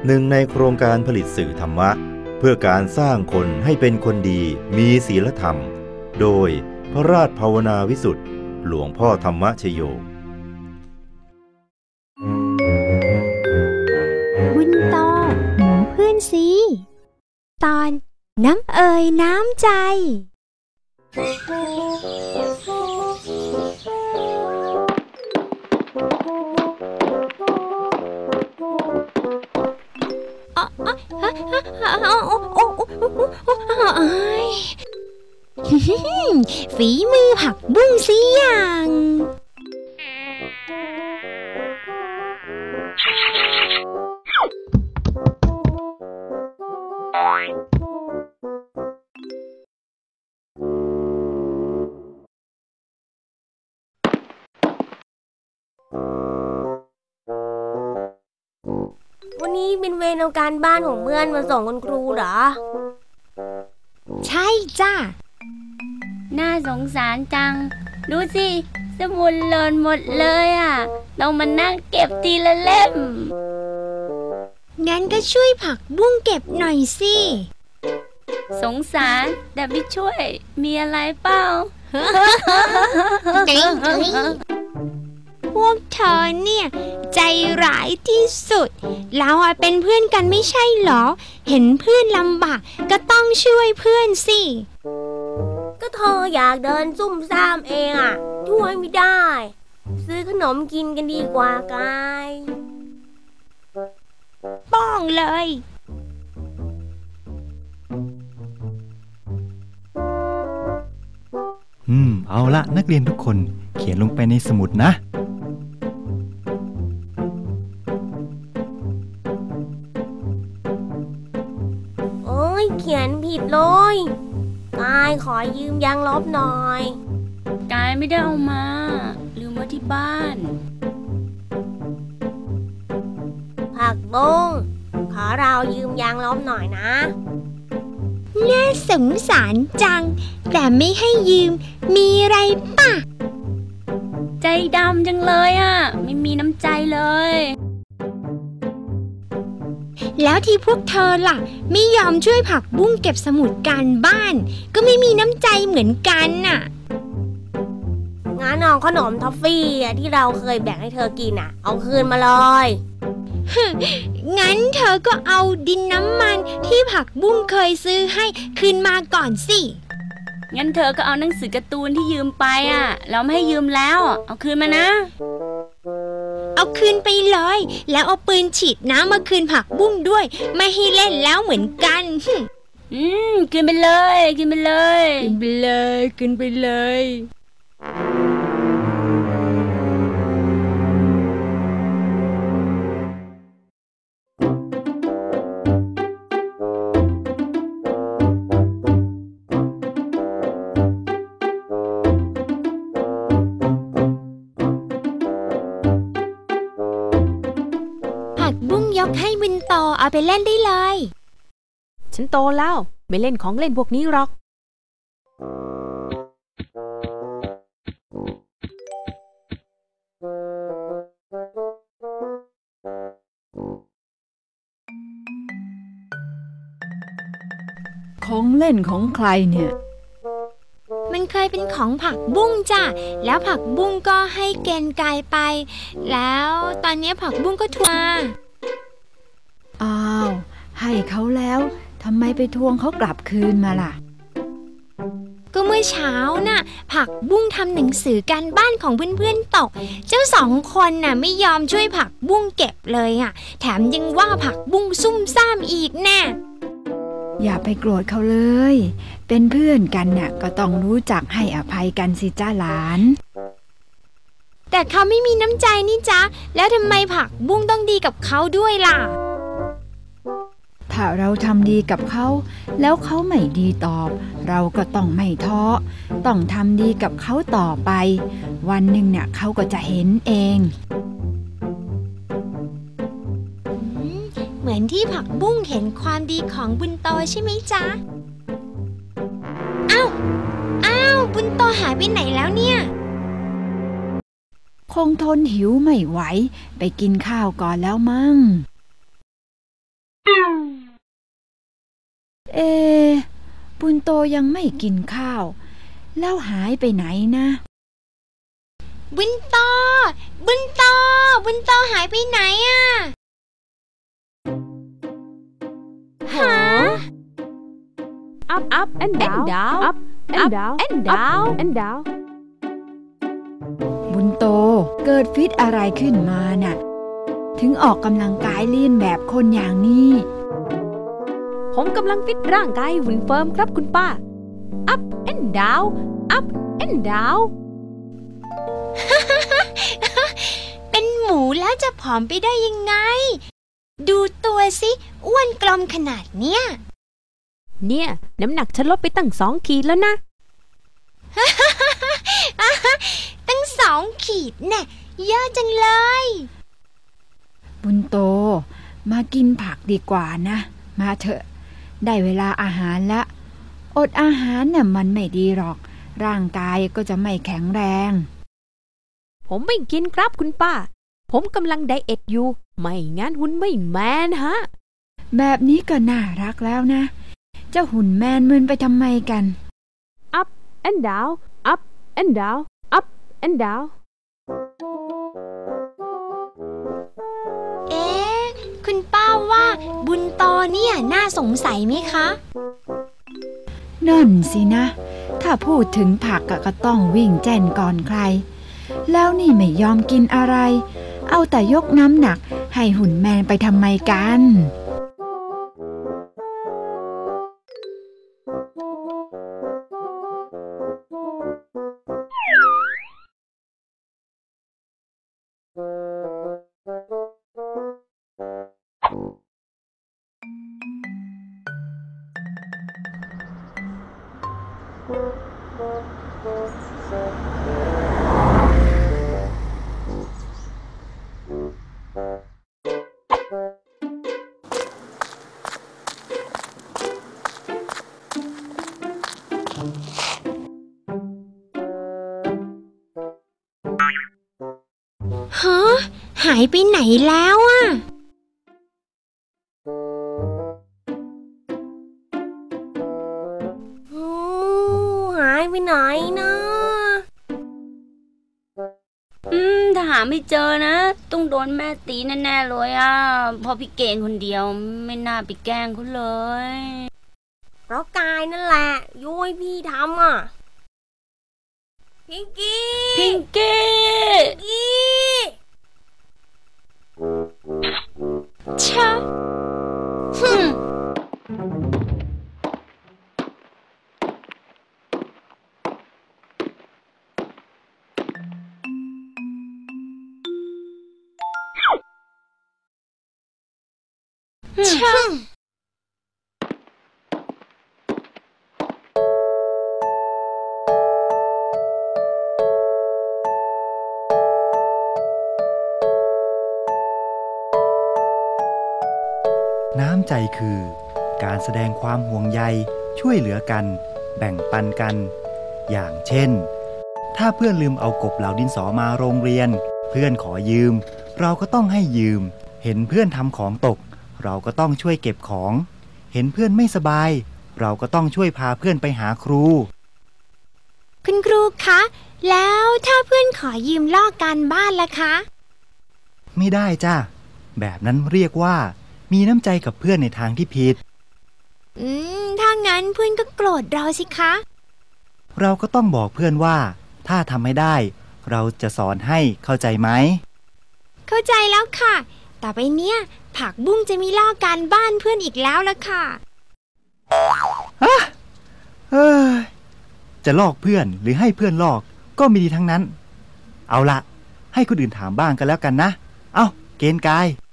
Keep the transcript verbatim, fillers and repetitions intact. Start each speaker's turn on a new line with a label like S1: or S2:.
S1: หนึ่งในโครงการผลิตสื่อธรรมะเพื่อการสร้างคนให้เป็นคนดีมีศีลธรรมโดยพระราชภาวนาวิสุทธิ์หลวงพ่อธรรมชโย
S2: บุญโตหมูเพื่อนซีตอนน้ำเอ่ยน้ำใจฝีมือผักบุ้งสิอย่าง
S3: วันนี้เป็นเวรเอาการบ้านของเพื่อนมาส่งคุณครูเหรอ
S2: ใช่จ้า
S4: น่าสงสารจังดูสิสมุดหล่นหมดเลยอ่ะต้องมานั่งเก็บทีละเล่ม
S2: งั้นก็ช่วยผักบุ้งเก็บหน่อยสิ
S4: สงสารแต่ไม่ช่วยมีอะไรเปล่า
S2: พวกเธอเนี่ยใจร้ายที่สุดเราเป็นเพื่อนกันไม่ใช่หรอเห็นเพื่อนลำบากก็ต้องช่วยเพื่อนสิ
S3: ก็เธออยากเดินซุ่มซ่ามเองอ่ะช่วยไม่ได้ซื้อขนมกินกันดีกว่ากาย
S2: ป้องเลย
S5: อืมเอาละนักเรียนทุกคนเขียนลงไปในสมุดนะ
S3: โอ้ยเขียนผิดเลยกายขอยืมยางลบหน่อย
S4: กายไม่ได้เอามาลืมไว้ที่บ้าน
S3: ผักบุ้งขอเรายืมยางลบหน่อยนะ
S2: น่าสงสารจังแต่ไม่ให้ยืมมีไรป่ะ
S4: ใจดำจังเลยอ่ะไม่มีน้ำใจเลย
S2: แล้วที่พวกเธอล่ะไม่ยอมช่วยผักบุ้งเก็บสมุดการบ้านก็ไม่มีน้ำใจเหมือนกันน่ะ
S3: งั้นเอาขนมทอฟฟี่ที่เราเคยแบ่งให้เธอกินอ่ะเอาคืนมาเลย
S2: งั้นเธอก็เอาดินน้ำมันที่ผักบุ้งเคยซื้อให้คืนมาก่อนสิ
S4: งั้นเธอก็เอาหนังสือการ์ตูนที่ยืมไปอ่ะเราไม่ให้ยืมแล้วเอาคืนมานะ
S2: เอาคืนไปเลยแล้วเอาปืนฉีดน้ำมาคืนผักบุ้งด้วยไม่ให้เล่นแล้วเหมือนกัน
S4: อืมคืนไปเลยคืนไปเลย
S2: คืนไปเลยคืนไปเลยยกให้บุญโตเอาไปเล่นได้เลย
S6: ฉันโตแล้วไม่เล่นของเล่นพวกนี้หรอก
S7: ของเล่นของใครเนี่ย
S2: มันเคยเป็นของผักบุ้งจ้ะแล้วผักบุ้งก็ให้เกณฑ์กายไปแล้วตอนนี้ผักบุ้งก็ทวง
S7: อ้าวให้เขาแล้วทำไมไปทวงเขากลับคืนมาล่ะ
S2: ก็เมื่อเช้าน่ะผักบุ้งทำหนังสือการบ้านของเพื่อนๆตกเจ้าสองคนน่ะไม่ยอมช่วยผักบุ้งเก็บเลยอ่ะแถมยังว่าผักบุ้งซุ่มซ่ามอีกแน่
S7: อย่าไปโกรธเขาเลยเป็นเพื่อนกันน่ะก็ต้องรู้จักให้อภัยกันสิจ้าหลาน
S2: แต่เขาไม่มีน้ำใจนี่จ๊ะแล้วทำไมผักบุ้งต้องดีกับเขาด้วยล่ะ
S7: ถ้าเราทำดีกับเขาแล้วเขาไม่ดีตอบเราก็ต้องไม่ท้อต้องทำดีกับเขาต่อไปวันหนึ่งเนี่ยเขาก็จะเห็นเอง
S2: เหมือนที่ผักบุ้งเห็นความดีของบุญโตใช่ไหมจ๊ะอ้าวอ้าวบุญโตหายไปไหนแล้วเนี่ย
S7: คงทนหิวไม่ไหวไปกินข้าวก่อนแล้วมั้งเอบุญโตยังไม่กินข้าวแล้วหายไปไหนนะ
S2: บุญโตบุญโตบุญโตหายไปไหนอะฮะ
S6: up up and down up and down and down and down
S7: บุญโตเกิดฟิตอะไรขึ้นมาน่ะถึงออกกำลังกายเลียนแบบคนอย่างนี้
S6: ผมกำลังฟิตร่างกายหุ่นเฟิร์มครับคุณป้า up and down up and down
S2: เป็นหมูแล้วจะผอมไปได้ยังไงดูตัวสิอ้วนกลมขนาดเนี้ย
S6: เนี่ยน้ำหนักฉันลดไปตั้งสองขีดแล้วนะ
S2: ตั้งสองขีดแน่เยอะจังเลย
S7: บุญโตมากินผักดีกว่านะมาเถอะได้เวลาอาหารละอดอาหารน่ะมันไม่ดีหรอกร่างกายก็จะไม่แข็งแรง
S6: ผมไม่กินครับคุณป้าผมกำลังไดเอทอยู่ไม่งั้นหุ่นไม่แมนฮะ
S7: แบบนี้ก็น่ารักแล้วนะเจ้าหุ่นแมนมึนไปทำไมกัน
S6: up and down up and down up and down
S2: เอ๊ะคุณป้าว่าบุญโตเนี่ยน่าสงสัยไหมคะ
S7: นั่นสินะถ้าพูดถึงผักก็ต้องวิ่งแจ้นก่อนใครแล้วนี่ไม่ยอมกินอะไรเอาแต่ยกน้ำหนักให้หุ่นแมนไปทำไมกัน
S2: ฮะหายไปไหนแล้วอ่ะ
S3: หายไปไหนนะ
S4: อืมถ้าหาไม่เจอนะต้องโดนแม่ตีแน่ๆเลยอ่ะพอพี่เก่งคนเดียวไม่น่าไปแกล้งเขาเลย
S3: เพราะกายนั่นแหละยุ้ยพี่ทำอ่ะพิงกี้
S4: พิงกี้
S3: พิงกี้
S2: ชะฮึมชะ
S5: น้ำใจคือการแสดงความห่วงใยช่วยเหลือกันแบ่งปันกันอย่างเช่นถ้าเพื่อนลืมเอากบเหลาดินสอมาโรงเรียนเพื่อนขอยืมเราก็ต้องให้ยืมเห็นเพื่อนทำของตกเราก็ต้องช่วยเก็บของเห็นเพื่อนไม่สบายเราก็ต้องช่วยพาเพื่อนไปหาครู
S2: คุณครูคะแล้วถ้าเพื่อนขอยืมลอกการบ้านล่ะคะ
S5: ไม่ได้จ้ะแบบนั้นเรียกว่ามีน้ำใจกับเพื่อนในทางที่ผิด
S2: อืมถ้างั้นเพื่อนก็โกรธเราสิคะ
S5: เราก็ต้องบอกเพื่อนว่าถ้าทำไม่ได้เราจะสอนให้เข้าใจไหม
S2: เข้าใจแล้วค่ะต่อไปเนี้ยผักบุ้งจะมีลอกการบ้านเพื่อนอีกแล้วละค่ะ
S5: ฮะเอ้ยจะลอกเพื่อนหรือให้เพื่อนลอกก็มีดีทั้งนั้นเอาละให้คนอื่นถามบ้างกันแล้วกันนะเอ้าเกณฑ์กาย